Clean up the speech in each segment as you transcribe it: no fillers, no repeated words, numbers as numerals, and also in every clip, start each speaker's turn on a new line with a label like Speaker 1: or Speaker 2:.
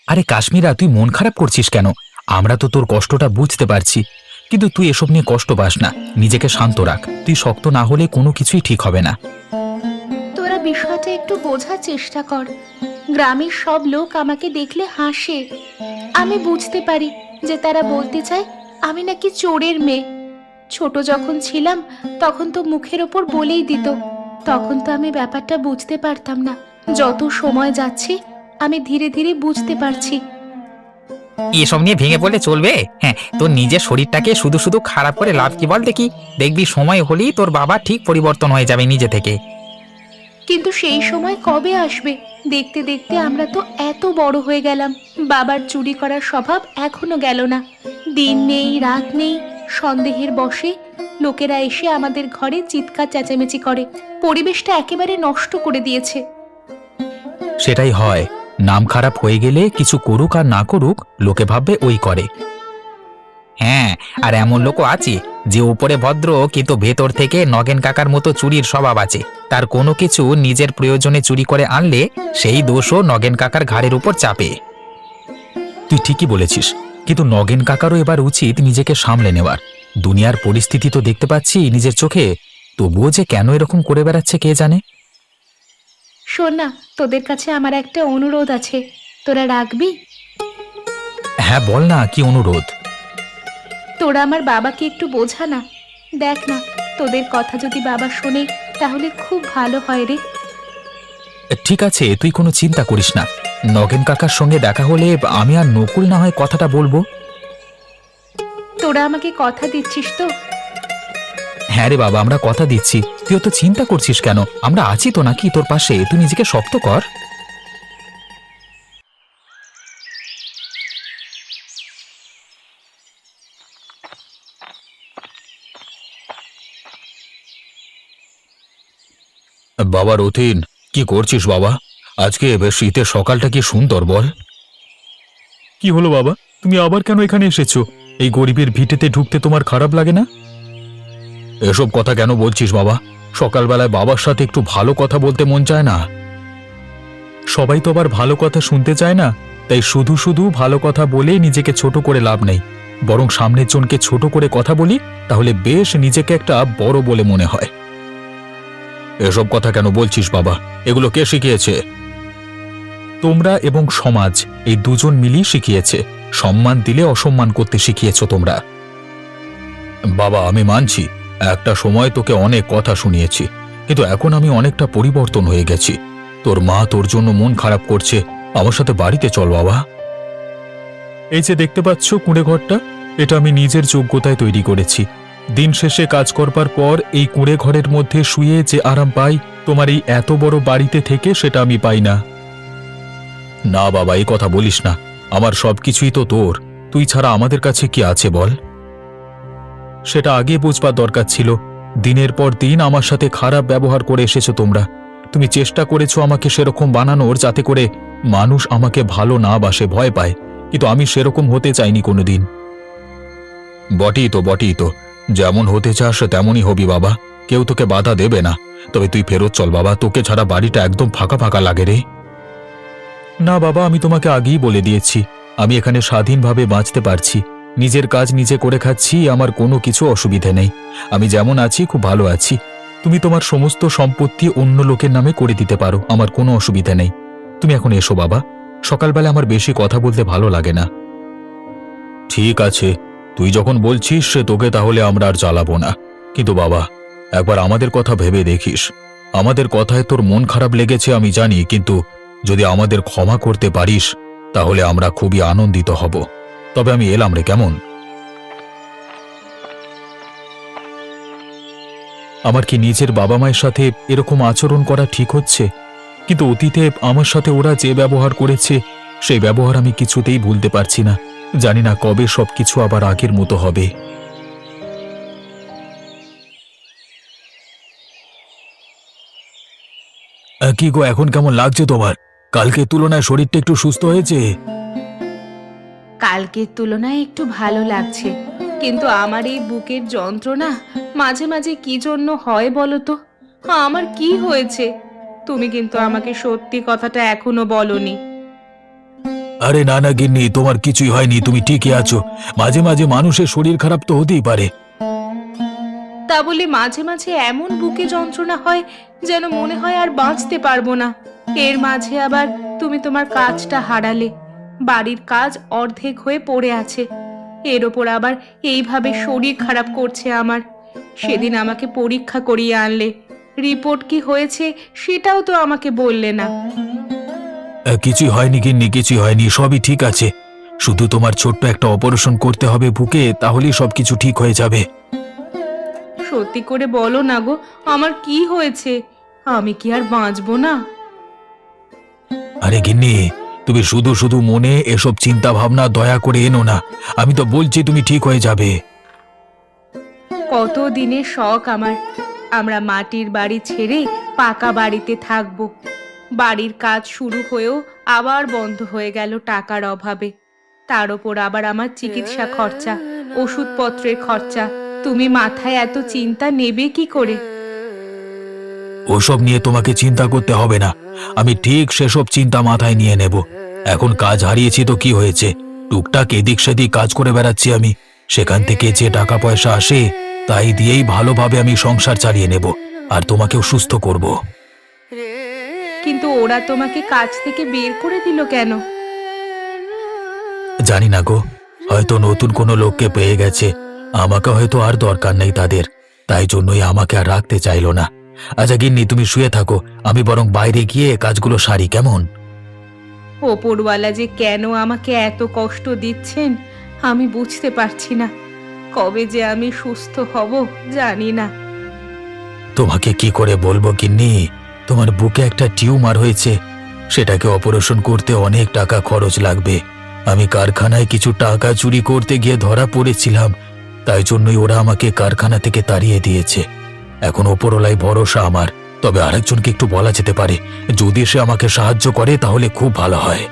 Speaker 1: আরে কাশ্মীরা, তুই মন খারাপ করছিস কেন? আমরা তো তোর কষ্টটা বুঝতে পারছি, কিন্তু তুই এসব নিয়ে কষ্ট পাস না। নিজেকে শান্ত রাখ, তুই শক্ত না হলে কোনো কিছুই ঠিক হবে না।
Speaker 2: তোরা বিষয়টা একটু বোঝার চেষ্টা কর। গ্রামের সব লোক আমাকে দেখলে হাসে। আমি বুঝতে পারি যে তারা বলতে চায় আমি নাকি চোরের মেয়ে। ছোট যখন ছিলাম তখন তো মুখের ওপর বলেই দিত। তখন তো আমি ব্যাপারটা বুঝতে পারতাম না। যত সময় যাচ্ছে আমি ধীরে ধীরে বুঝতে পারছি।
Speaker 3: এসব নিয়ে ভেঙে পড়লে চলবে? হ্যাঁ, তোর নিজের শরীরটাকে শুধু শুধু খারাপ করে লাভ কি বল দেখি? দেখবি সময় হলেই তোর বাবা ঠিক পরিবর্তন হয়ে যাবে নিজে থেকে।
Speaker 2: কিন্তু সেই সময় কবে আসবে? দেখতে দেখতে আমরা তো এত বড় হয়ে গেলাম, বাবার চুরি করার স্বভাব এখনো গেল না। দিন নেই রাত নেই, সন্দেহের বশে লোকেরা এসে আমাদের ঘরে চিৎকার চেঁচামেচি করে। পরিবেশটা একেবারে নষ্ট করে দিয়েছে।
Speaker 1: সেটাই হয়, নাম খারাপ হয়ে গেলে কিছু করুক আর না করুক লোকে ভাববে ওই করে।
Speaker 3: হ্যাঁ, আর এমন লোকও আছে যে উপরে ভদ্র কিন্তু ভেতর থেকে নগেন কাকার মতো চুরির স্বভাব আছে। তার কোনো কিছু নিজের প্রয়োজনে চুরি করে আনলে সেই দোষও নগেন কাকার ঘাড়ের উপর চাপে।
Speaker 1: তুই ঠিকই বলেছিস, কিন্তু নগেন কাকারও এবার উচিত নিজেকে সামলে নেওয়ার। দুনিয়ার পরিস্থিতি তো দেখতে পাচ্ছি নিজের চোখে, তবুও যে কেন এরকম করে বেড়াচ্ছে কে জানে।
Speaker 2: শোন না, তোদের কাছে আমার একটা অনুরোধ আছে, তোরা রাখবি?
Speaker 1: হ্যাঁ বল না, কি অনুরোধ?
Speaker 2: তোরা আমার বাবাকে একটু বোঝা না। দেখ না, তোদের কথা যদি বাবা শোনে তাহলে খুব ভালো হয় রে।
Speaker 1: ঠিক আছে, তুই কোনো চিন্তা করিস না। নগেন কাকার সঙ্গে দেখা হলে আমি আর নকুল না হয় কথাটা বলবো।
Speaker 2: তোরা আমাকে কথা দিচ্ছিস তো?
Speaker 1: হ্যাঁ রে বাবা, আমরা কথা দিচ্ছি। তুই তো চিন্তা করছিস কেন? আমরা আছি তো নাকি তোর পাশে, তুই নিজেকে শক্ত কর। বাবা রতিন, কি করছিস বাবা? আজকে বেশ শীতের সকালটা কি সুন্দর বল। কি হলো বাবা, তুমি আবার কেন এখানে এসেছো? এই গরিবের ভিটেতে ঢুকতে তোমার খারাপ লাগে না? এসব কথা কেন বলছিস বাবা? সকালবেলায় বাবার সাথে একটু ভালো কথা বলতে মন চায় না? সবাই তো আবার ভালো কথা শুনতে চায় না, তাই শুধু শুধু ভালো কথা বলে নিজেকে ছোট করে লাভ নেই। বরং সামনের জনকে ছোট করে কথা বলি, তাহলে বেশ নিজেকে একটা বড় বলে মনে হয়। এসব কথা কেন বলছিস বাবা? এগুলো কে শিখিয়েছে? তোমরা এবং সমাজ, এই দুজন মিলিয়ে শিখিয়েছে। সম্মান দিলে অসম্মান করতে শিখিয়েছো তোমরা। বাবা আমি মানছি, একটা সময় তোকে অনেক কথা শুনিয়েছি, কিন্তু এখন আমি অনেকটা পরিবর্তন হয়ে গেছি। তোর মা তোর জন্য মন খারাপ করছে, আমার সাথে বাড়িতে চল বাবা। এই যে দেখতে পাচ্ছ কুঁড়ে ঘরটা, এটা আমি নিজের যোগ্যতায় তৈরি করেছি। দিন শেষে কাজ করবার পর এই কুঁড়ে ঘরের মধ্যে শুয়ে যে আরাম পাই, তোমার এই এত বড় বাড়িতে থেকে সেটা আমি পাই না। না বাবা, এই কথা বলিস না। আমার সবকিছুই তো তোর, তুই ছাড়া আমাদের কাছে কি আছে বল? সেটা আগে বুঝবার দরকার ছিল। দিনের পর দিন আমার সাথে খারাপ ব্যবহার করে এসেছো তোমরা। তুমি চেষ্টা করেছো আমাকে সেরকম বানানোর যাতে করে মানুষ আমাকে ভালো না বাসে, ভয় পায়, কিন্তু আমি সেরকম হতে চাইনি কোনোদিন। বটেই তো, যেমন হতে চাস তেমনই হবি বাবা, কেউ তোকে বাধা দেবে না। তবে তুই ফেরত চল বাবা, তোকে ছাড়া বাড়িটা একদম ফাঁকা ফাঁকা লাগে রে। না বাবা, আমি তোমাকে আগেই বলে দিয়েছি, আমি এখানে স্বাধীনভাবে বাঁচতে পারছি। নিজের কাজ নিজে করে খাচ্ছি, আমার কোনো কিছু অসুবিধে নেই। আমি যেমন আছি খুব ভালো আছি। তুমি তোমার সমস্ত সম্পত্তি অন্য লোকের নামে করে দিতে পারো, আমার কোনো অসুবিধে নেই। তুমি এখন এসো বাবা, সকালবেলা আমার বেশি কথা বলতে ভালো লাগে না। ঠিক আছে, তুই যখন বলছিস তোকে তাহলে আমরা আর জ্বালাবো না। কিন্তু বাবা, একবার আমাদের কথা ভেবে দেখিস। আমাদের কথায় তোর মন খারাপ লেগেছে আমি জানি, কিন্তু যদি আমাদের ক্ষমা করতে পারিস তাহলে আমরা খুবই আনন্দিত হব। তবে আমি এলাম রে, কেমন? আমার কি নিজের বাবা মায়ের সাথে এরকম আচরণ করা ঠিক হচ্ছে? কিন্তু অতীতে আমার সাথে ওরা যে ব্যবহার করেছে, সেই ব্যবহার আমি কিছুতেই ভুলতে পারছি না। জানি না কবে সবকিছু আবার আগের মতো হবে। কি গো, এখন কেমন লাগছে তোমার? কালকের তুলনায় শরীরটা একটু সুস্থ হয়েছে?
Speaker 2: কালকের তুলনায় একটু ভালো লাগছে, কিন্তু আমার এই বুকের যন্ত্রণা মাঝে মাঝে কি জন্য হয় বলো তো? আমার কি হয়েছে? তুমি কিন্তু আমাকে সত্যি কথাটা এখনো বলনি।
Speaker 1: আরে না না গিন্নি, তোমার কিছুই হয়নি, তুমি ঠিকই আছো। মাঝে মাঝে মানুষের শরীর খারাপ তো হতেই পারে।
Speaker 2: তা বলে মাঝে মাঝে এমন বুকে যন্ত্রণা হয় যেন মনে হয় আর বাঁচতে পারবো না। এর মাঝে আবার তুমি তোমার কাজটা হারালে, বাড়ির কাজ অর্ধেক হয়ে পড়ে আছে, এর ওপর আবার এইভাবে শরীর খারাপ করছে আমার। সেদিন আমাকে পরীক্ষা করিয়ে আনলে, রিপোর্ট কি হয়েছে সেটাও তো আমাকে বললে না।
Speaker 1: কিছুই হয়নি গিন্নি, কিছুই হয়নি, সবই ঠিক আছে। শুধু তোমার ছোট্ট একটা অপারেশন করতে হবে বুকে, তাহলেই সবকিছু ঠিক হয়ে যাবে।
Speaker 2: সত্যি করে বলো না গো, আমার কি হয়েছে? আমি কি আর বাঁচবো না?
Speaker 1: আরে গিন্নি, তুমি শুধু শুধু মনে এসব চিন্তা ভাবনা দয়া করে এনো না। আমি তো বলছি তুমি ঠিক হয়ে যাবে।
Speaker 2: কত দিনের শখ আমার, আমরা মাটির বাড়ি ছেড়ে পাকা বাড়িতে থাকবো। বাড়ির কাজ শুরু হয়েও আবার বন্ধ হয়ে গেল টাকার অভাবে। তার ওপর আবার আমার চিকিৎসা খরচা, ওষুধপত্রের খরচা। তুমি মাথায় এত চিন্তা নেবে কি করে?
Speaker 1: ওসব নিয়ে তোমাকে চিন্তা করতে হবে না, আমি ঠিক সেসব চিন্তা মাথায় নিয়ে নেব। এখন কাজ হারিয়েছি তো কি হয়েছে, টুকটাক এদিক সেদিক কাজ করে বেড়াচ্ছি আমি। সেখান থেকে যে টাকা পয়সা আসে তাই দিয়েই ভালোভাবে আমি সংসার চালিয়ে নেব, আর তোমাকেও সুস্থ করব।
Speaker 2: কিন্তু ওরা তোমাকে কাজ থেকে বের করে দিল কেন?
Speaker 1: জানি না গো, হয়তো নতুন কোনো লোককে পেয়ে গেছে। আমাকে হয়তো আর দরকার নেই তাদের, তাই জন্যই আমাকে আর রাখতে চাইলো না। আচ্ছা গিন্নি, তুমি শুয়ে থাকো, আমি বরং বাইরে গিয়ে কাজগুলো সারি, কেমন?
Speaker 2: ওপরওয়ালা যে কেন আমাকে এত কষ্ট দিচ্ছেন আমি বুঝতে পারছি না। কবে যে আমি সুস্থ হব জানি না।
Speaker 1: তোমাকে কি করে বলবো গিন্নি, তোমার বুকে একটা টিউমার হয়েছে, সেটাকে অপারেশন করতে অনেক টাকা খরচ লাগবে। আমি কারখানায় কিছু টাকা চুরি করতে গিয়ে ধরা পড়েছিলাম, তাই জন্যই ওরা আমাকে কারখানা থেকে তাড়িয়ে দিয়েছে। এখন ওপরওয়ালাই ভরসা আমার, তবে আরেকজনকে একটু বলা যেতে পারে, যদি সে আমাকে সাহায্য করে তাহলে খুব ভালো হয়।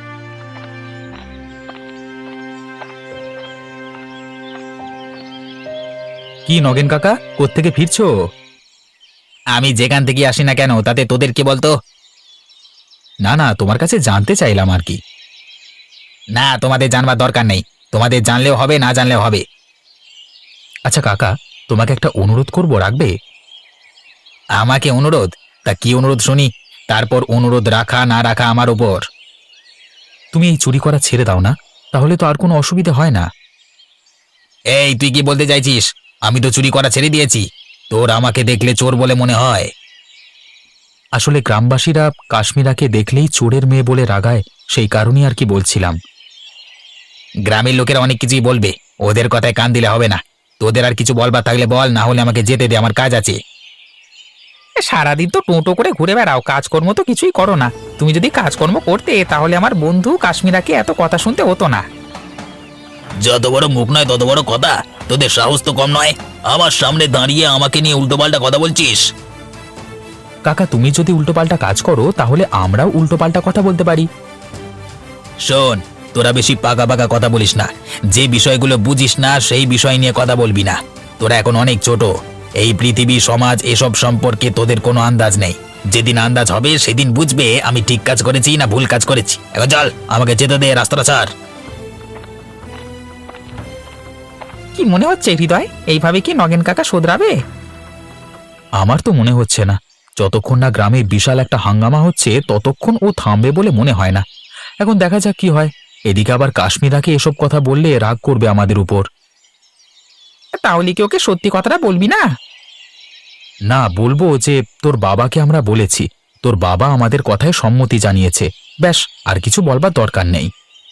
Speaker 3: কি নগেন কাকা, কোত্থেকে ফিরছো? আমি যেখান থেকে আসি না কেন তাতে তোদের কি বলতো? না না, তোমার কাছে জানতে চাইলাম আর কি। না, তোমাদের জানবার দরকার নেই, তোমাদের জানলেও হবে, না জানলেও হবে। আচ্ছা কাকা, তোমাকে একটা অনুরোধ করব, রাখবে? আমাকে অনুরোধ? তা কি অনুরোধ শুনি, তারপর অনুরোধ রাখা না রাখা আমার উপর। তুমি এই চুরি করা ছেড়ে দাও না, তাহলে তো আর কোনো অসুবিধা হয় না। এই তুই কি বলতে চাইছিস? আমি তো চুরি করা ছেড়ে দিয়েছি, তোর আমাকে দেখলে চোর বলে মনে হয়? আসলে গ্রামবাসীরা কাশ্মীরাকে দেখলেই চোরের মেয়ে বলে রাগায়, সেই কারণেই আর কি বলছিলাম। গ্রামের লোকেরা অনেক কিছুই বলবে, ওদের কথায় কান দিলে হবে না। তোদের আর কিছু বলবার থাকলে বল, না হলে আমাকে যেতে দে, আমার কাজ আছে। সারাদিন তো টোটো করে ঘুরে বেড়াও, কাজকর্ম তো কিছুই করো না। তুমি যদি কাজকর্ম করতে তাহলে আমার বন্ধু কাশ্মীরাকে এত কথা শুনতে হতো না।
Speaker 4: যত বড় মুখ নয় তত বড় কথা, তোদের সাহস তো কম নয়। আমার সামনে দাঁড়িয়ে আমাকে নিয়ে উল্টোপাল্টা কথা বলছিস।
Speaker 3: কাকা, তুমি যদি উল্টোপাল্টা কাজ করো তাহলে আমরাও উল্টোপাল্টা কথা বলতে পারি।
Speaker 4: শোন, তোরা বেশি পাকা পাকা কথা বলিস না। যে বিষয়গুলো বুঝিস না সেই বিষয় নিয়ে কথা বলবি না। তোরা এখন অনেক ছোট, এই পৃথিবী সমাজ এসব সম্পর্কে তোদের কোনো আন্দাজ নেই। যেদিন আন্দাজ হবে সেদিন বুঝবে আমি ঠিক কাজ করেছি না ভুল কাজ করেছি। এখন চল, আমাকে যেতে দে, রাস্তাটা ছাড়।
Speaker 3: কি মনে হচ্ছে হৃদয়, এইভাবে কি নগেন কাকা শোধরাবে? আমার তো মনে হচ্ছে না। যতক্ষণ না গ্রামে বিশাল একটা হাঙ্গামা হচ্ছে ততক্ষণ ও থামবে বলে মনে হয় না। এখন দেখা যাক কি হয়। এদিকে আবার কাশ্মীরাকে এসব কথা বললে রাগ করবে আমাদের উপর। তাহলে কি ওকে সত্যি কথাটা বলবি না? না, বলবো যে তোর বাবাকে আমরা বলেছি, তোর বাবা আমাদের কথায় সম্মতি জানিয়েছে, ব্যাস, আর কিছু বলবার দরকার নেই।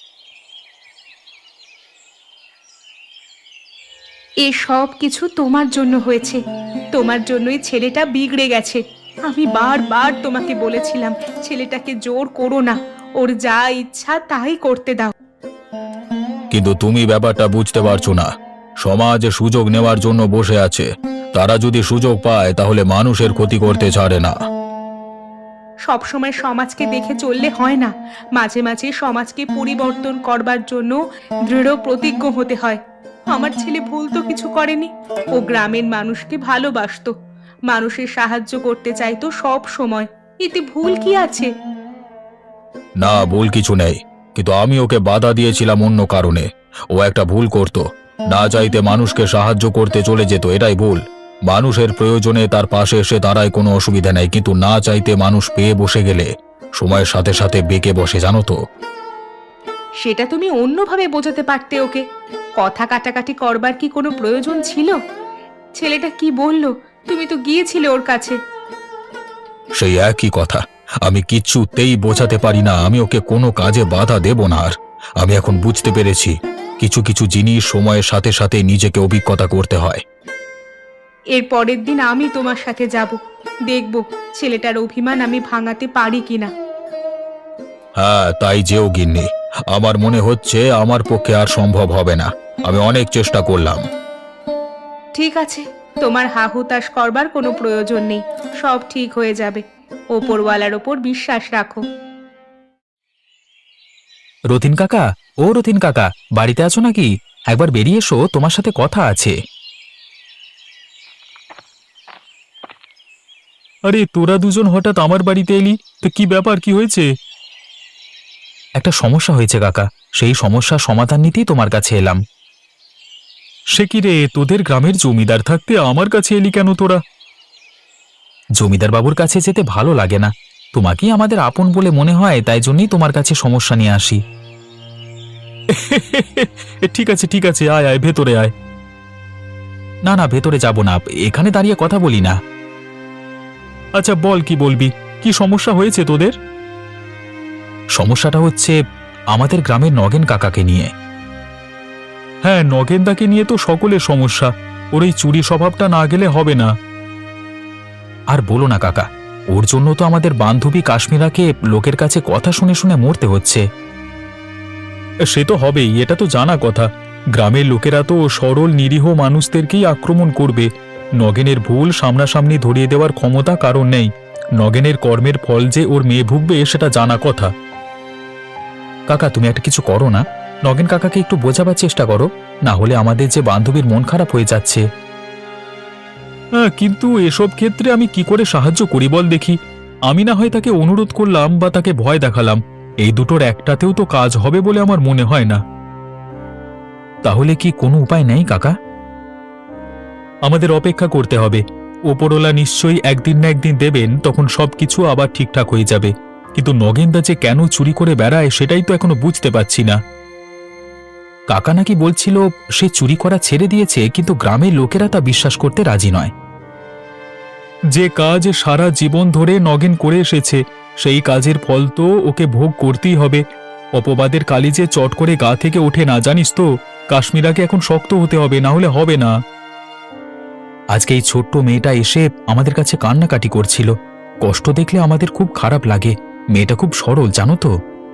Speaker 2: এ সব কিছু তোমার জন্য হয়েছে, তোমার জন্যই ছেলেটা বিগড়ে গেছে। আমি বারবার তোমাকে বলেছিলাম ছেলেটাকে জোর করো না, ওর যা ইচ্ছা তাই করতে দাও।
Speaker 1: কিন্তু তুমি ব্যাপারটা বুঝতে পারছো না। সমাজ সুযোগ নেওয়ার জন্য বসে আছে, তারা যদি সুযোগ পায় তাহলে মানুষের ক্ষতি করতে ছাড়ে না।
Speaker 2: সবসময় সমাজকে দেখে চললে হয় না, মাঝে মাঝে সমাজকে পরিবর্তন করবার জন্য দৃঢ় প্রতিজ্ঞ হতে হয়। আমার ছেলে ভুল তো কিছু করেনি, ও গ্রামের মানুষকে ভালোবাসতো, মানুষের সাহায্য করতে চাইতো সব সময়। এতে ভুল কি আছে?
Speaker 1: না, ভুল কিছু নেই, কিন্তু আমি ওকে বাধা দিয়েছিলাম অন্য কারণে। ও একটা ভুল করত, না চাইতে মানুষকে সাহায্য করতে চলে যেত, এটাই ভুল। মানুষের প্রয়োজনে তার পাশে এসে দাঁড়ায়, কোনো অসুবিধা নেই, কিন্তু না চাইতে মানুষ পেয়ে বসে গেলে সময়ের সাথে সাথে বেঁকে বসে, জানো তো।
Speaker 2: সেটা তুমি অন্যভাবে বোঝাতে পারতে ওকে। কথা কাটাকাটি করবার কি কোনো প্রয়োজন ছিল? ছেলেটা কি বলল? তুমি তো গিয়েছিলে ওর কাছে।
Speaker 1: সেই একই কথা, আমি কিচ্ছুতেই বোঝাতে পারি না। আমি ওকে কোনো কাজে বাধা দেব না। আর আমি এখন বুঝতে পেরেছি, কিছু কিছু জিনিস সময়ের সাথে সাথে নিজেকে অভিজ্ঞতা করতে হয়।
Speaker 2: এর পরের দিন আমি তোমার সাথে যাব, দেখব ছেলেটার অভিমান আমি ভাঙাতে পারি কিনা।
Speaker 1: হ্যাঁ, তাই যেও গিন্নি। আমার মনে হচ্ছে আমার পক্ষে আর সম্ভব হবে না। আমি অনেক চেষ্টা করলাম।
Speaker 2: ঠিক আছে, তোমার হাহুতাশ করবার কোনো প্রয়োজন নেই, সব ঠিক হয়ে যাবে। ওপরওয়ালার ওপর বিশ্বাস রাখো।
Speaker 3: রতিন কাকা, ও রতিন কাকা, বাড়িতে আছো নাকি? একবার বেরিয়ে এসো, তোমার সাথে কথা আছে।
Speaker 1: আরে তোরা দুজন হঠাৎ আমার বাড়িতে এলি, তো কি ব্যাপার, কি হয়েছে?
Speaker 3: একটা সমস্যা হয়েছে কাকা, সেই সমস্যার সমাধান নিতেই তোমার কাছে এলাম।
Speaker 1: সে কি রে, তোদের গ্রামের জমিদার থাকতে আমার কাছে এলি কেন তোরা?
Speaker 3: জমিদার বাবুর কাছে যেতে ভালো লাগে না, তোমাকেই আমাদের আপন বলে মনে হয়, তাই জন্যই তোমার কাছে সমস্যা নিয়ে আসি।
Speaker 1: ঠিক আছে ঠিক আছে, আয় আয়, ভেতরে আয়।
Speaker 3: না না, ভেতরে যাব না, এখানে দাঁড়িয়ে কথা বলি না।
Speaker 1: আচ্ছা বল, কি বলবি? কি সমস্যা হয়েছে তোদের?
Speaker 3: সমস্যাটা হচ্ছে আমাদের গ্রামের নগেন কাকাকে নিয়ে।
Speaker 1: হ্যাঁ, নগেনদাকে নিয়ে তো সকলের সমস্যা। ওর এই চুরি স্বভাবটা না গেলে হবে না।
Speaker 3: আর বলো না কাকা, ওর জন্য তো আমাদের বান্ধবী কাশ্মীরাকে লোকের কাছে কথা শুনে শুনে মরতে হচ্ছে।
Speaker 1: সে তো হবেই, এটা তো জানা কথা। গ্রামের লোকেরা তো সরল নিরীহ মানুষদেরকেই আক্রমণ করবে। নগেনের ভুল সামনাসামনি ধরিয়ে দেওয়ার ক্ষমতা কারণ নেই। নগেনের কর্মের ফল যে ওর মেয়ে ভুগবে সেটা জানা কথা।
Speaker 3: কাকা, তুমি একটা কিছু করো না, নগেন কাকাকে একটু বোঝাবার চেষ্টা করো, না হলে আমাদের যে বান্ধবীর মন খারাপ হয়ে যাচ্ছে।
Speaker 1: হ্যাঁ, কিন্তু এসব ক্ষেত্রে আমি কি করে সাহায্য করি বল দেখি? আমি না হয় তাকে অনুরোধ করলাম বা তাকে ভয় দেখালাম, এই দুটোর একটাতেও তো কাজ হবে বলে আমার মনে হয় না।
Speaker 3: তাহলে কি কোনো উপায় নেই কাকা?
Speaker 1: আমাদের অপেক্ষা করতে হবে। ওপরওয়ালা নিশ্চয়ই একদিন না একদিন দেবেন, তখন সবকিছু আবার ঠিকঠাক হয়ে যাবে। কিন্তু নগেনদা যে কেন চুরি করে বেড়ায় সেটাই তো এখনো বুঝতে পারছি না।
Speaker 3: কাকা নাকি বলছিল সে চুরি করা ছেড়ে দিয়েছে, কিন্তু গ্রামের লোকেরা তা বিশ্বাস করতে রাজি নয়।
Speaker 1: যে কাজ সারা জীবন ধরে নগেন করে এসেছে, সেই কাজের ফল তো ওকে ভোগ করতেই হবে। অপবাদের কালি যে চট করে গা থেকে ওঠে না, জানিস তো। কাশ্মীরাকে এখন শক্ত হতে হবে, না হলে হবে না।
Speaker 3: আজকে এই ছোট্ট মেয়েটা এসে আমাদের কাছে কান্নাকাটি করছিল, কষ্ট দেখলে আমাদের খুব খারাপ লাগে। মেয়েটা খুব সরল, জানো তো।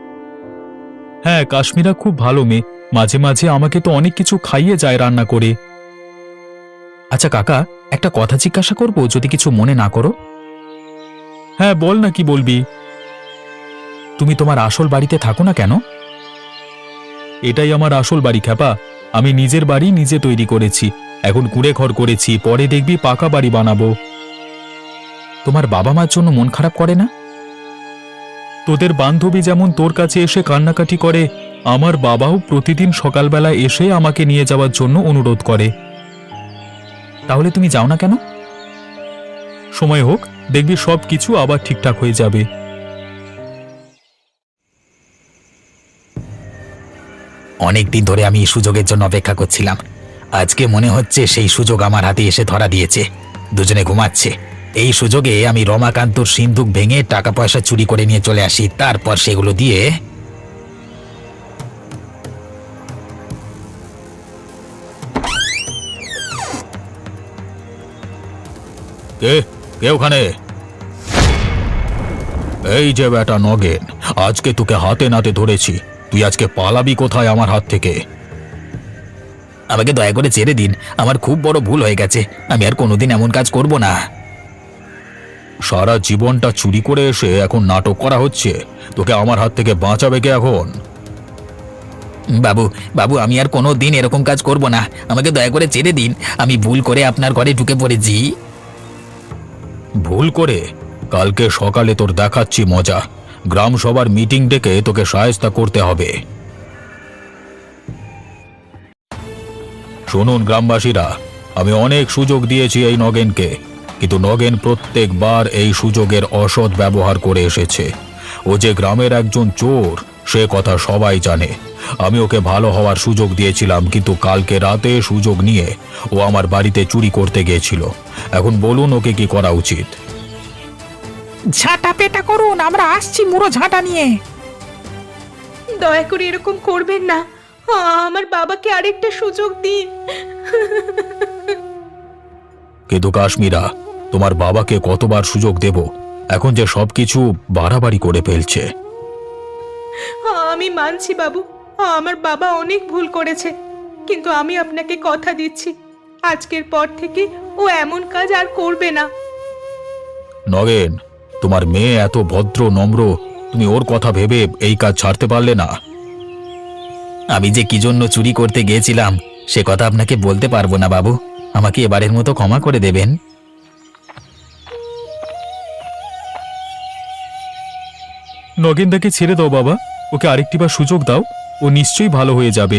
Speaker 1: হ্যাঁ, কাশ্মীরা খুব ভালো মেয়ে, মাঝে মাঝে আমাকে তো অনেক কিছু খাইয়ে যায় রান্না করে।
Speaker 3: আচ্ছা কাকা, একটা কথা জিজ্ঞাসা করব, যদি কিছু মনে না করো?
Speaker 1: হ্যাঁ বল না, কি বলবি?
Speaker 3: তুমি তোমার আসল বাড়িতে থাকো না কেন?
Speaker 1: এটাই আমার আসল বাড়ি খ্যাপা। আমি নিজের বাড়ি নিজে তৈরি করেছি, এখন কুঁড়ে ঘর করেছি, পরে দেখবি পাকা বাড়ি বানাবো।
Speaker 3: তোমার বাবা মার জন্য মন খারাপ করে না?
Speaker 1: তোদের বান্ধবী যেমন তোর কাছে এসে কান্নাকাটি করে, আমার বাবাও প্রতিদিন সকালবেলা এসে আমাকে নিয়ে যাওয়ার জন্য অনুরোধ করে।
Speaker 3: তাহলে তুমি যাও না কেন?
Speaker 1: সময় হোক, দেখবি সব কিছু আবার ঠিকঠাক হয়ে যাবে।
Speaker 4: অনেক দিন ধরে আমি এই সুযোগের জন্য অপেক্ষা করছিলাম। আজকে মনে হচ্ছে সেই সুযোগ আমার হাতে এসে ধরা দিয়েছে। দুজনে ঘুমাচ্ছে, এই সুযোগে আমি রমাকান্তর সিন্ধুক ভেঙে টাকা পয়সা চুরি করে নিয়ে চলে আসি, তারপর সেগুলো দিয়ে।
Speaker 1: কে কে ওখানে? এই যে বেটা নগেন, আজকে তোকে হাতে নাতে ধরেছি। তুই আজকে পালাবি কোথায় আমার হাত থেকে?
Speaker 4: আমাকে দয়া করে ছেড়ে দিন, আমার খুব বড় ভুল হয়ে গেছে। আমি আর কোনোদিন এমন কাজ করব না।
Speaker 1: সারা জীবনটা চুরি করে এসে এখন নাটক করা হচ্ছে, তোকে আমার হাত থেকে বাঁচাবে কে এখন?
Speaker 4: বাবু বাবু, আমি আর কোনো দিন এরকম কাজ করব না, আমাকে দয়া করে ছেড়ে দিন। আমি ভুল করে আপনার ঘরে ঢুকে পড়েছি।
Speaker 1: ভুল করে? কালকে সকালে তোর দেখাচ্ছি মজা। গ্রাম সবার মিটিং ডেকে তোকে শায়েস্তা করতে হবে। শুনুন গ্রামবাসীরা, আমি অনেক সুযোগ দিয়েছি এই নগেনকে, কিন্তু নগেন প্রত্যেকবার এই সুযোগের অসৎ ব্যবহার করে এসেছে। ও যে গ্রামের একজন চোর সে কথা সবাই জানে। আমি ওকে ভালো হওয়ার সুযোগ দিয়েছিলাম, কিন্তু কালকে রাতে সুযোগ নিয়ে ও আমার বাড়িতে চুরি করতে গিয়েছিল। এখন বলুন ওকে কি করা উচিত?
Speaker 3: ঝাঁটা পেটা করুন, আমরা আসছি মুড়ো ঝাঁটা নিয়ে।
Speaker 2: দয়া করে এরকম করবেন না, আমার বাবাকে আরেকটা সুযোগ দিন।
Speaker 1: কিন্তু কাশ্মীরা, তোমার বাবাকে কতবার সুযোগ দেব? এখন যে সবকিছু বাড়াবাড়ি করে ফেলছে।
Speaker 2: আমি মানছি বাবু, আমার বাবা অনেক ভুল করেছে, কিন্তু আমি আপনাকে কথা দিচ্ছি আজকের পর থেকে ও এমন কাজ আর করবে না।
Speaker 1: নগেন, তোমার মেয়ে এত ভদ্র নম্র, তুমি ওর কথা ভেবে এই কাজ ছাড়তে পারলে না?
Speaker 3: আমি যে কি জন্য চুরি করতে গিয়েছিলাম সে কথা আপনাকে বলতে পারবো না বাবু, আমাকে এবারের মতো ক্ষমা করে দেবেন।
Speaker 1: নগেনদাকে ছেড়ে দাও বাবা, ওকে আরেকটিবার সুযোগ দাও, ও নিশ্চয়ই ভালো হয়ে যাবে।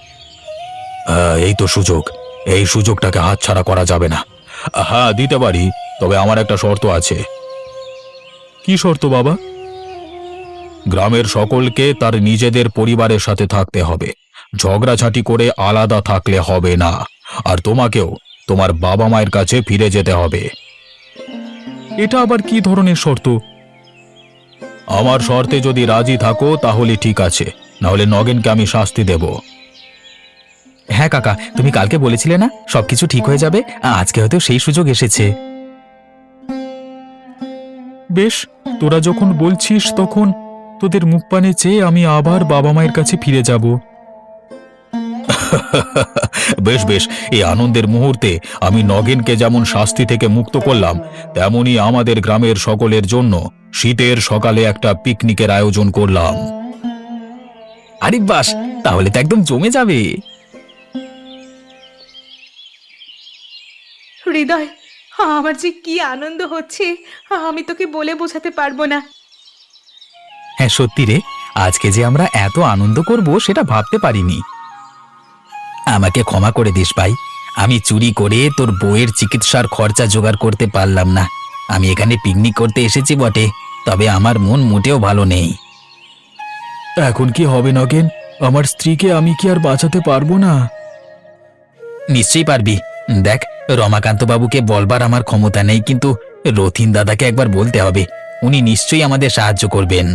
Speaker 1: এই তো সুযোগ, এই সুযোগটাকে হাতছাড়া করা যাবে না। হ্যাঁ দিতে পারি, তবে আমার একটা শর্ত আছে। কি শর্ত বাবা? গ্রামের সকলকে তার নিজেদের পরিবারের সাথে থাকতে হবে, ঝগড়াঝাঁটি করে আলাদা থাকলে হবে না। আর তোমাকেও তোমার বাবা মায়ের কাছে ফিরে যেতে হবে। এটা আবার কি ধরনের শর্ত? আমার শর্তে যদি রাজি থাকো তাহলে ঠিক আছে, না হলে নগেনকে আমি শাস্তি দেব।
Speaker 3: হ্যাঁ কাকা, তুমি কালকে বলেছিলে না সবকিছু ঠিক হয়ে যাবে, আজকে হয়তো সেই সুযোগ এসেছে।
Speaker 1: বেশ, তোরা যখন বলছিস তখন তোদের মুখ পানে চেয়ে আমি আবার বাবা মায়ের কাছে ফিরে যাব। বেশ বেশ, এই আনন্দের মুহূর্তে আমি নগেনকে যেমন শাস্তি থেকে মুক্ত করলাম, তেমনি আমাদের গ্রামের সকলের জন্য শীতের সকালে একটা পিকনিকের আয়োজন করলাম।
Speaker 3: আরে বাস, তাহলে তো একদম জমে যাবে।
Speaker 2: হৃদয়, আমার যে কি আনন্দ হচ্ছে আমি তোকে বলে বোঝাতে পারবো না।
Speaker 3: হ্যাঁ সত্যি রে, আজকে যে আমরা এত আনন্দ করব সেটা ভাবতে পারিনি। আমাকে ক্ষমা করে দিস ভাই, আমি চুরি করে তোর বউয়ের চিকিৎসার খরচা জোগাড় করতে পারলাম না। আমি এখানে পিকনিক করতে এসেছি বটে, তবে আমার মন মোটেও ভালো নেই।
Speaker 1: এখন কি হবে নগেন? আমার স্ত্রীকে আমি কি আর বাঁচাতে পারবো না?
Speaker 3: নিশ্চয়ই পারবি। দেখ, রমাকান্ত বাবুকে বলবার আমার ক্ষমতা নেই, কিন্তু রথিন দাদাকে একবার বলতে হবে, উনি নিশ্চয়ই আমাদের সাহায্য করবেন।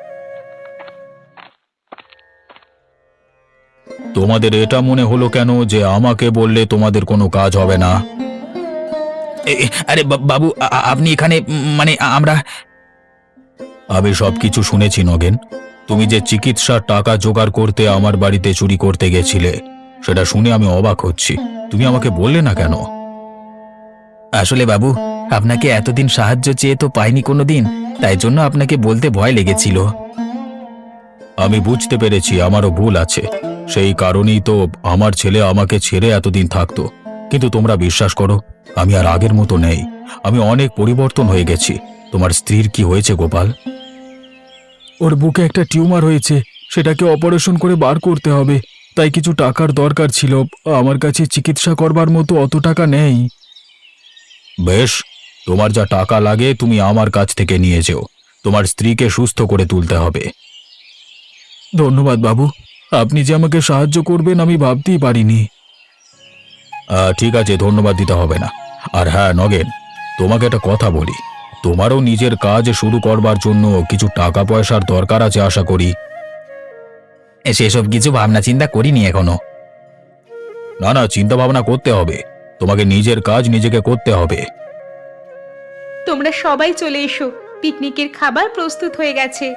Speaker 1: তোমাদের এটা মনে হলো কেন যে আমাকে বললে তোমাদের কোনো কাজ হবে না?
Speaker 3: আরে বাবু, আপনি এখানে মানে আমরা...
Speaker 1: আমি সবকিছু শুনেছি নগেন। তুমি যে চিকিৎসার টাকা জোগাড় করতে আমার বাড়িতে চুরি করতে গেছিলে, সেটা শুনে আমি অবাক হচ্ছি। তুমি আমাকে বললে না কেন?
Speaker 3: আসলে বাবু, আপনাকে এতদিন সাহায্য চেয়ে তো পাইনি কোনোদিন, তাই জন্য আপনাকে বলতে ভয় লেগেছিল।
Speaker 1: আমি বুঝতে পেরেছি আমারও ভুল আছে, সেই কারণেই তো আমার ছেলে আমাকে ছেড়ে এতদিন থাকতো। কিন্তু তোমরা বিশ্বাস করো, আমি আর আগের মতো নেই, আমি অনেক পরিবর্তন হয়ে গেছি। তোমার স্ত্রীর কি হয়েছে গোপাল? ওর বুকে একটা টিউমার হয়েছে, সেটাকে অপারেশন করে বার করতে হবে, তাই কিছু টাকার দরকার ছিল। আমার কাছে চিকিৎসা করবার মতো অত টাকা নেই। বেশ, তোমার যা টাকা লাগে তুমি আমার কাছ থেকে নিয়ে যেও, তোমার স্ত্রীকে সুস্থ করে তুলতে হবে। ধন্যবাদ বাবু, আপনি যে আমাকে সাহায্য করবেন আমি ভাবতেই পারিনি। ঠিক আছে, ধন্যবাদ দিতে হবে না। আর হ্যাঁ নগেন, তোমাকে একটা কথা বলি, তোমারও নিজের কাজ শুরু করবার জন্য কিছু টাকা পয়সার দরকার আছে আশা করি।
Speaker 3: সেসব কিছু ভাবনা চিন্তা করিনি এখনো।
Speaker 1: না না, চিন্তা ভাবনা করতে হবে, তোমাকে নিজের কাজ নিজেকে করতে হবে।
Speaker 2: তোমরা সবাই চলে এসো, পিকনিকের খাবার প্রস্তুত হয়ে গেছে।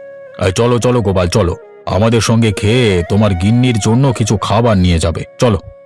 Speaker 1: চলো চলো গোপাল, চলো, আমাদের সঙ্গে খেয়ে তোমার গিন্নির জন্য কিছু খাবার নিয়ে যাবে, চলো।